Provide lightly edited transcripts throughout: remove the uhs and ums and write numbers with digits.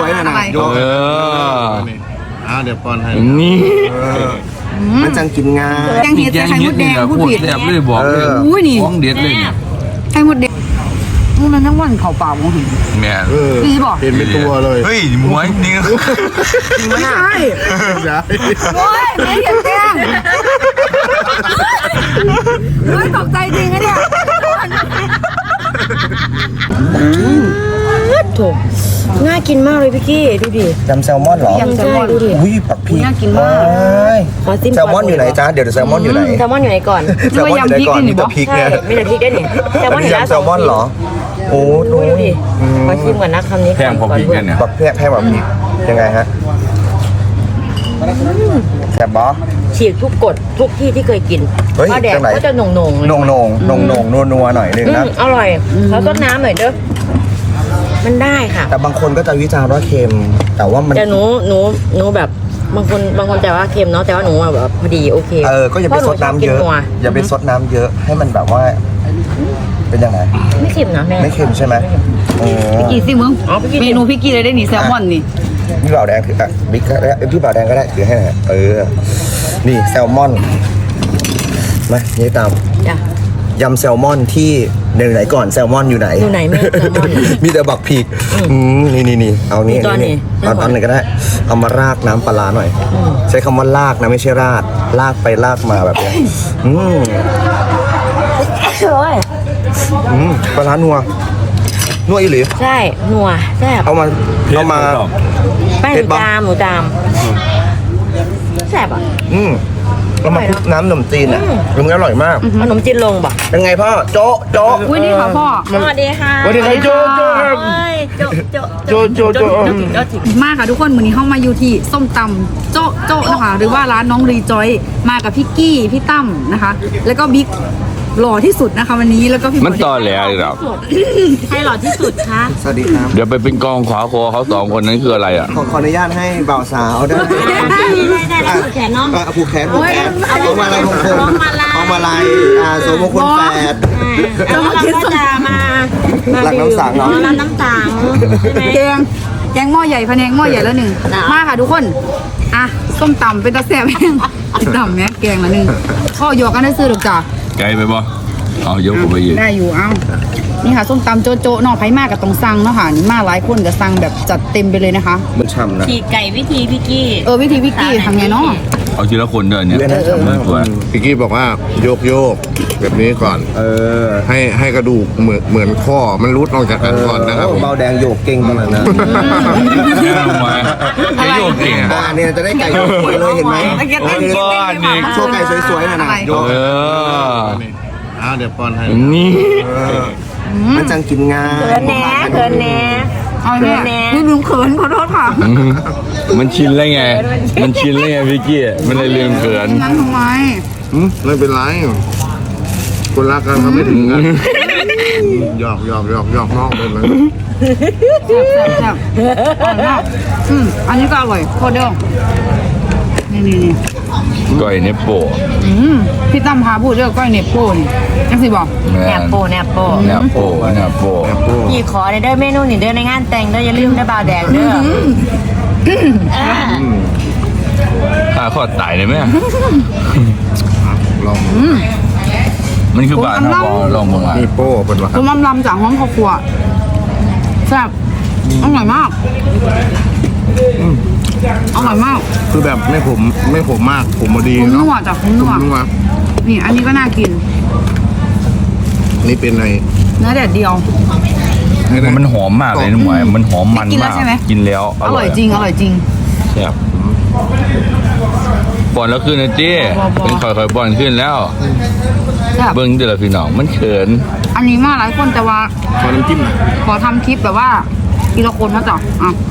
ๆนะนะโยกเดี๋ยวป้อนให้นี่มันจังกินง่ายแกงเห็ดไข่มดแดงพูดผิดแซ่บเลยบอกเลยอุ้ยนี่ของเด็ดเลยเนี่ยไข่มดแดงมันทั้งวันเข่าเปล่ามองเห็นแม่พี่บอกเห็นเป็นตัวเลยเฮ้ยหมวยนี่ไม่ใช่ใช่โอ้ยไม่เห็นแกงเฮ้ยตกใจจริงนะเนี่ยถูกน่ากินมากเลยพี่กี้ดูดิยำแซลมอนเหรอยำแซลมอนดูดิอุ้ยผักพีน่ากินมากขอจิ้มแซลมอนอยู่ไหนจ๊ะเดี๋ยวแซลมอนอยู่ไหนแซลมอนอยู่ไหนก่อนแซลมอนอยู่ไหนก่อนมีแต่พริกใช่เนี่ยมีแต่พริกด้วยนี่แซลมอนอยู่ยำแซลมอนเหรอโอ้ดูดิขอชิมก่อนนะคำนี้แพงพอพริกกันเนี่ยบักแพงแบบพริกยังไงฮะแซ่บบอฉีกทุกกฎทุกที่ที่เคยกินเฮ้ยข้าวแดงจังไหนก็จะหน่งๆเลยนงนัวหน่อยนึงนะอร่อยแล้วก็น้ำหน่อยเด้อมันได้ค่ะแต่บางคนก็จะวิจารณ์ว่าเค็มแต่ว่ามันแต่หนูแบบบางคนแต่ว่าเค็มเนาะแต่ว่าหนูแบบพอดีโอเคก็อย่าไปซดน้ำเยอะ อย่าไปซดน้ำเยอะให้มันแบบว่าเป็นยังไงไม่เค็มนะแม่ไม่เค็มใช่ไหมโอ้พี่กี้สิมึงเมนูพี่กี้เลยได้หนีแซลมอนนี่พี่บ่าวแดงถือบิ๊กก็ได้พี่บ่าวแดงก็ได้ถือให้หน่อยนี่แซลมอนมานี่ตามจ้ะยำแซลมอนที่ไหนก่อนแซลมอนอยู่ไหนอยู่ไหนแม่แซลมอนมีแต่บักพีกนี่เอานี่มีตอนนี้เอาตอนไหนก็ได้ เอามาราดน้ำปลาร้าหน่อย ใช้คำว่าลากนะไม่ใช่ราดลากไปลากมาแบบนี้ปลาร้านัวอีหรือใช่นัวแซ่บเอามาแป้งหมูจามแซ่บอ่ะแล้วมาคลุกน้ำขนมจีนมันอร่อยมากขนมจีนลงป่ะเป็นไงพ่อโจ๊ะอุ้ยนี่ค่ะพ่อสวัสดีค่ะสวัสดีครับโจ๊ะมาค่ะทุกคนมื้อนี้เข้ามาอยู่ที่ส้มตำโจ๊ะโจ๊ะนะคะหรือว่าร้านน้องรีจอยมากับพี่กี้พี่ตั้มนะคะ แล้วก็บิ๊กหล่อที่สุดนะคะวันนี้แล้วก็พี่มันต่อแหลเลยหรอใครหล่อที่สุดคะสวัสดีครับเดี๋ยวไปเป็นกองขวาคอเขาสองคนนั้นคืออะไรอ่ะขออนุญาตให้บ่าวสาวได้ได้แล้วผูกแขนเนาะผูกแขนเอามาลัยมงคลเอามาลัยสมมงคลแปดแล้วเราก็จะมาหลักน้ำสังเนาะร้านน้ำสังใช่ไหมแกงหม้อใหญ่พะแนงหม้อใหญ่แล้วหนึ่งมาค่ะทุกคนอ่ะส้มตำเป็นตะแซ่บแห้งตำเนี่ยแกงละหนึ่งพ่อหยอกกันได้ซื้อหรอกจ้ะไกลไปบ่เอายกผมไปยืนได้อยู่เอ้านี่ค่ะส้มตำโจ๊ะๆเนาะไผมากกับตรงสั่งเนาะค่ะนี่มาหลายคนจะสั่งแบบจัดเต็มไปเลยนะคะมันฉ่ำนะฉีกไก่วิธีพี่กี้วิธีพี่กี้ทำไงเนาะเอาทีละคนเดินเนี่ยตัวพี่กี้บอกว่าโยกแบบนี้ก่อนให้กระดูกเหมือนข้อมันรุดออกจากกันก่อนนะครับเบาแดงโยกเก่งขนาดนั้นไอ้โยกเก่งเนี่ยจะได้ไก่สวยเลยเห็นไหมก้อนนี่โชว์ไก่สวยๆหน่อยนะโยกเดี๋ยวป้อนให้นี่มันจังกินง่ายเขินแหน่เอาเนี่ยนี่ลืมเขินขอโทษค่ะมันชินแล้วไงมันชินแล้วไงพี่กี้มันเลยลืมเขินนั้นทำไมไม่เป็นไรคนรักกันเขาไม่ถึงกันหยอกนอกเลยมันแซ่บอร่อยมากอันนี้ก็อร่อยโคตรเด้อนี่ก้อยเนปโป้พี่ตั้มพาพูดเรื่องก้อยเนปโป้นี่ยังสิบอกแนบโปเนปโป้พี่ขอเด้อเมนูนี่เด้อในงานแต่งเด้ออย่าลืมได้บ่าวแดงเด้อข้าข้อตายเลยไหมลองมันคือบาทนะบอลองมึงอ่ะนี่โป้เป็นวะต้มลำจากห้องครอบครัวแซ่บอร่อยมากอร่อยมากคือแบบไม่ผมมากผมมาดีคุ้มเนาะนัวจากคุ้มนัวนัวนี่อันนี้ก็น่ากินนี่เป็นไงเนื้อแดดเดียวมันหอมมากเลยนะหมวยมันหอมมันกินแล้มาว กใช่ไหมกินแล้วอร่อยจริงอร่อยจริงแซ่บป้อนแล้วขึ้นนะเจ้เป็นค่อยๆป้อนขึ้นแล้วแซ่บเบิ้งเดี๋ยวพี่น้องมันเขินอันนี้มาหลายคนแต่ว่าขอน้ำจิ้มหน่อยขอทำคลิปแบบว่าทีละคนนะจ๊ะอ่ะ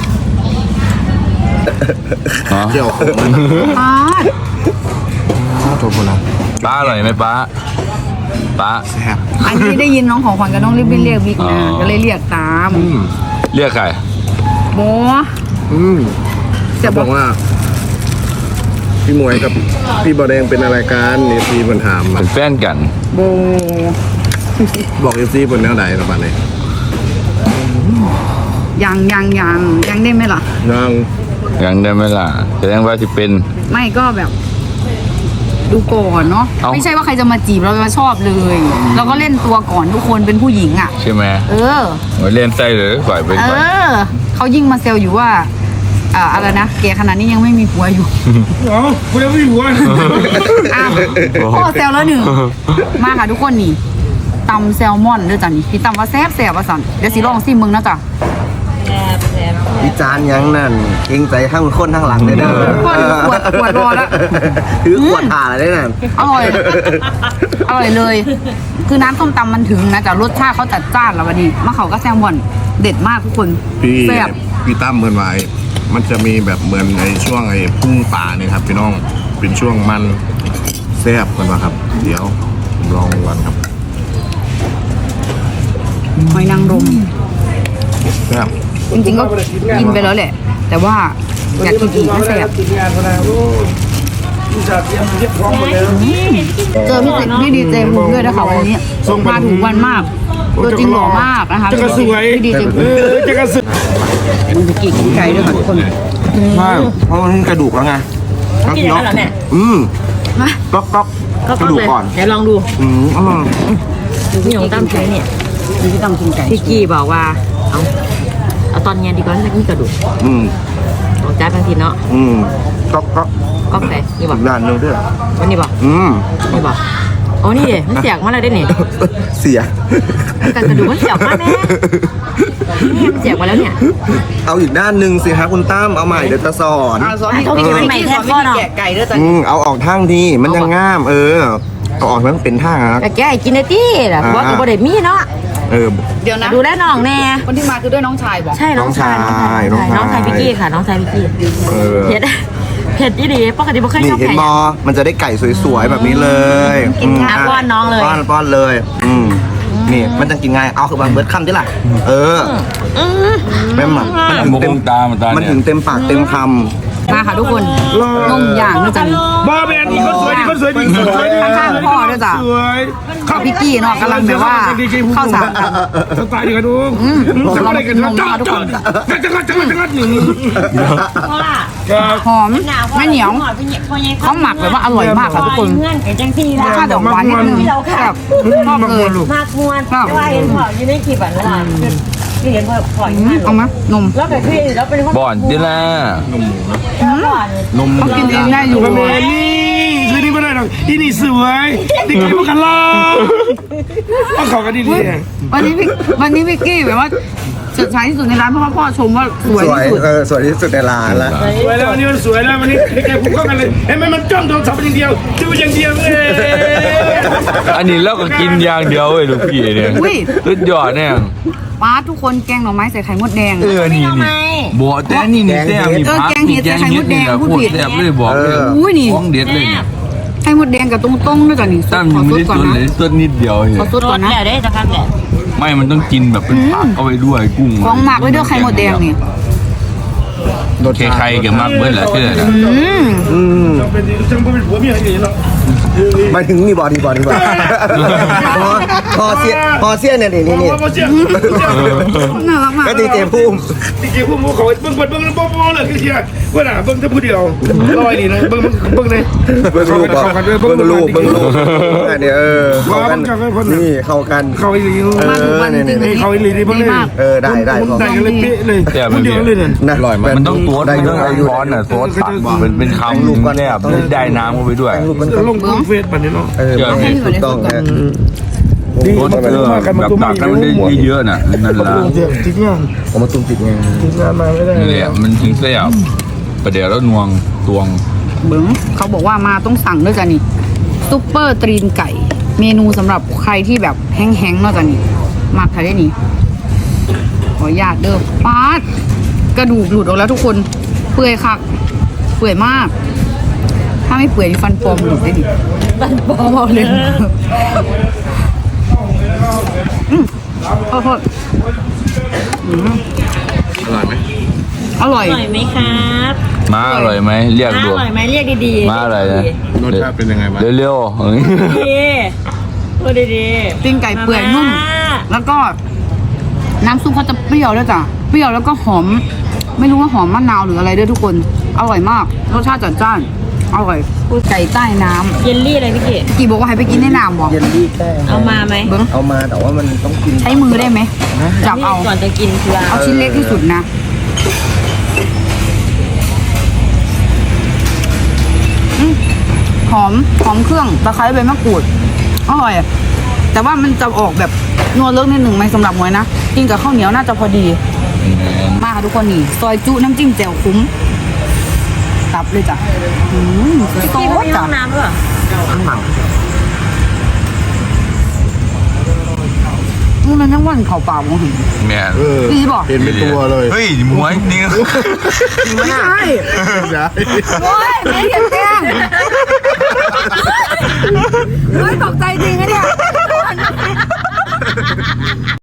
เจียวขมป้าข้าวโทโบราณป้าอร่อยไหมป้าแซ่บอันนี้ได้ยินน้องของขวัญกับน้องรีบเรียกบิ๊กนะก็เลยเรียกตามเรียกใครโบจะบอกว่า พี่หมวยกับพี่บอแดงเป็นอะไรกันเอฟซีบนถามมาเป็นแฟนกันโบบอกเอฟซีบนแนวไหนระบาดเลยยังได้ไหมล่ะยังยังได้ไหมล่ะแสดงว่าจะเป็นไม่ก็แบบดูก่อนเนาะเอ้าไม่ใช่ว่าใครจะมาจีบเราจะชอบเลย เราก็เล่นตัวก่อนทุกคนเป็นผู้หญิงอ่ะใช่ไหมเออไว้เล่นไส้เลยปล่อยไปเอก่อนอเขายิ่งมาเซลอยู่ว่าอะไรนะแกขนาดนี้ยังไม่มีผัวอยู่อ๋อคุณยังไม่อยู่อ่ะอ้าวพ่อเซลแล้วหนึ่งมาค่ะทุกคนนี่ตำแซลมอนด้วยจ้ะนี่พี่ตำว่าแซ่บว่าสั่นเดี๋ยวสิลองซิมึงนะจ้ะวิจารณ์ยังนั่นเกรงใจข้างคนข้างหลังเลยเด้อพ่อถือขวดรอแล้วถือขวดถ่าเลยนั่นอร่อยเลย คือน้ำส้มตำมันถึงนะแต่รสชาติเขาจัดจ้านแล้ววันนี้มะเขาก็แซลมอนเด็ดมากทุกคนพี่แซ่บพี่ตั้มเหมือนไว้มันจะมีแบบเหมือนในช่วงไอ้พุ่งป่าเนี่ยครับพี่น้องเป็นช่วงมันแซ่บกันมาครับ เดี๋ยวผมลองวันครับหอยนางรมแซ่บจริงๆก็กินไปแล้วแหละ แต่ว่าอยากกินอีกนะแซ่บกินงานมาแล้วผู้ชายเตรียมพร้อมหมดแล้วเจอพี่ดีเจภูมิด้วยนะคะวันนี้มาถูกวันมากตัวจริงหล่อมากนะคะจะกระสวยพี่ดีเจภูเอมิอจะกระสวยมันจะกินไก่ด้วยค่ะทุกคนใช่เพราะมันกระดูกแล้วไงกินอย่างนั้นเหรอเนี่ยมาก๊อกก็กระดูกเลยก่อนเดี๋ยวลองดูอร่อยพี่หยงตั้มใช้เนี่ยพี่ต้องกินไก่พี่กี้บอกว่าเอาตอนเย็นดีกว่านี่กระดูกอืมของจ้าบางทีเนาะก๊อกก็ใส่นี่บอกอีกด้านหนึงด้วยวันนี้บอก นี่บอกโอ้นี่เดมันเสียกมาเลยได้เนี่ยเสียกันกระดูกมันเสียกมาแม่นี่มันเสียกมาแล้วเนี่ยเอาอีกด้านหนึ่งสิฮะคุณตั้มเอาใหม่เดี๋ยวจะสอนสอนเขากินใหม่แทบพ่อเนาะแกะไก่ด้วยจ้ะเอาออกทางทีมันยังง่าม เอาออกมันเป็นทางนะแต่แกให้กินในที่ล่ะเพราะว่าบ่ได้มีเนาะเดี๋ยวนะดูแลน้องแน่คนที่มาคือด้วยน้องชายบอกใช่น้องชายน้องชายพี่กี้ค่ะ น้องชายพี่กี้เผ็ดเผ็ดดีปกติไม่เคยนี่ชอบเห็นไข่มอมันจะได้ไก่สวยๆแบบนี้เลยกินค่ะป้อนน้องเลยป้อนเลย นี่มันจะกินไงเอาคือมันเบิร์ดคำที่ล่ะแม่หมักมงตามตามันเนี่ยถึงเต็มปากเต็มคมาค่ะทุกคนนมอย่างด้วยจ้ะนี่บ้าแมนนี่คนสวยนี่คนสวยนี่คนสวยนี่ข้างๆพ่อด้วยจ้ะสวยกับพี่กี้เนาะกำลังแบบว่าเข้าสารกันสไตล์ดีกันดูทำอะไรกันจ้าจ้าจังหนึ่งเพราะว่าหอมไม่เหนียวเขาหมักแบบว่าอร่อยมากค่ะทุกคนเงื่อนไขจังที่รสชาติดอกหวานนิดนึงแบบชอบเลยมากมวนว่าเห็นพออยู่ในคลิปอ่ะนั่นแหละที่เห็นพออยู่นั่นเอาไหมนมแล้วแต่คือแล้วเป็นคนบ่อนดิล่ะำนมเขากินเองได้อยู่บ้าแมนนี่สวยนี่ไม่ได้หรอกอีนี่สวยนี่กินพวกกันล่ะเอาของกันดีวันนี้พี่กี้แบบว่าเฉิดฉายที่สุดในร้านเพราะว่าพ่อชมว่าสวยที่สุดสวยที่สุดในร้านแล้วสวยแล้ววันนี้มันสวยแล้ววันนี้แกพูดเข้ากันเลยเห็นไหมมันจ้องโทรศัพท์อย่างเดียวดูอย่างเดียวเลยอันนี้เราก็กินอย่างเดียวเว้ยลูกพี่เนี่ยสุดยอดเนี่ยป้าทุกคนแกงหน่อไม้ใส่ไข่มดแดงนี่บัวแต่นี่แซ่บนี่พักนี่แกงเห็ดนี่แหละพูดแซ่บเลยบอกเลยอุ้ยนี่ของเด็ดเลยไข่มดแดงกับตรงๆด้วยจ้ะนี่ตั้มขอยังซไม่ดได้ก่อนสดนะเลยสดนิดเดียวขอซดก่อนนะแล้วได้จะพักแหละไม่มันต้องกินแบบเป็นผักเอาไว้ด้วยกุ้งของหมักไว้ด้วยไข่มดแดงนี่ใครๆกับมากเบิ้ลแหละเชื่อนะเป็นจังเป็นผัวเมียอย่างนี้เนาะหมายถึงนี่บอดี้พอเสี้ยนเนี่ยนี่น่ารักมากก็ดีเจพุ่มจริงๆพวกมูเขาเบิ้งเลยคือเชียว่าน่ะเบิ้งถ้าผู้เดียวลอยนี่นะเบิ้งเลยเบิ้งรูปอันนี้นี่เข้ากันเขาอีหลีมาถูกวันจริงๆเขาอีหลีดีเบิ้งเลยได้ได้กันเลยเป๊ะเลยผู้เดียวเลยเนี่ยนะมันต้องตัวมันต้องไอ้ร้อนอ่ะซอสตักเป็นคำลูกก็แนบได้น้ำเข้าไปด้วยลงเฟซปันนี้เนาะถูกต้องนะซอสแบบตักแล้วมันได้เยอะๆน่ะนั่นละจริงอ่ะผมมาตุ้มติดไงจริงงานมาไม่ได้นี่แหละมันถึงแซ่บประเดี๋ยวแล้วนวงตวงเบิ้งเขาบอกว่ามาต้องสั่งด้วยจ้ะนี่ซุปเปอร์ตรีนไก่ เมนูสำหรับใครที่แบบแห้งๆเนาะจ้ะนี่มาค่ะได้นี่ขออนุญาตเด้อป๊าดกระดูกหลุดออกแล้วทุกคนเปื่อยคักเปื่อยมาก ถ้าไม่เปื่อยนี่ฟันปลอมหลุดได้ดิฟันปลอมเอาเลยโอ้โหอร่อยไหมอร่อยอร่อยไหมครับม้าอร่อยไหมเรียกอดูร่อยไหมเรียกดีๆม้าอร่อยนะรสชาติเป็นยังไงบ้างเร็วๆดีพูดดีๆตีนไก่เปื่อยนุ่ม แล้วก็น้ำซุปเขาจะเปรี้ยวด้วยจ้ะเปรี้ยวแล้วก็หอม ไม่รู้ว่าหอมมะนาวหรืออะไรด้วยทุกคน อร่อยมาก รสชาติจัดจ้าน อร่อยไก่ใต้น้เยลลี่อะไรพี่เก๋ำกี่บอกว่าให้ไปกินในน้ำบอกเยลลี่แค่เอามาไหมเบิ้งเอามาแต่ว่ามันต้องกินใช้มือได้ไหม จับเอาก่อนจะกินคือเอาชิ้นเล็กที่สุดนะอืมหอมเครื่องตะไคร้ใบมะกรูด อร่อยอะแต่ว่ามันจะออกแบบนัวเลิกนิดหนึ่งไหมสำหรับหมวยนะ กินกับข้าวเหนียวน่าจะพอดี มาค่ะทุกคนนี่ ซอยจุน้ำจิ้มแจ่วคุ้มตับเลยจ้ะโตพี่ไม่มีห้จ้ะองน้ำด้วยเหรอมันยังวันเข่าเปล่ามองเห็นแม่ดีบอกเป็นเป็นตัวเลยเฮ้ยหมวยนี่ไม่ใช่ใช่โอ้ยไม่เห็นแกล้งเฮ้ยตกใจจริงนะเนี่ย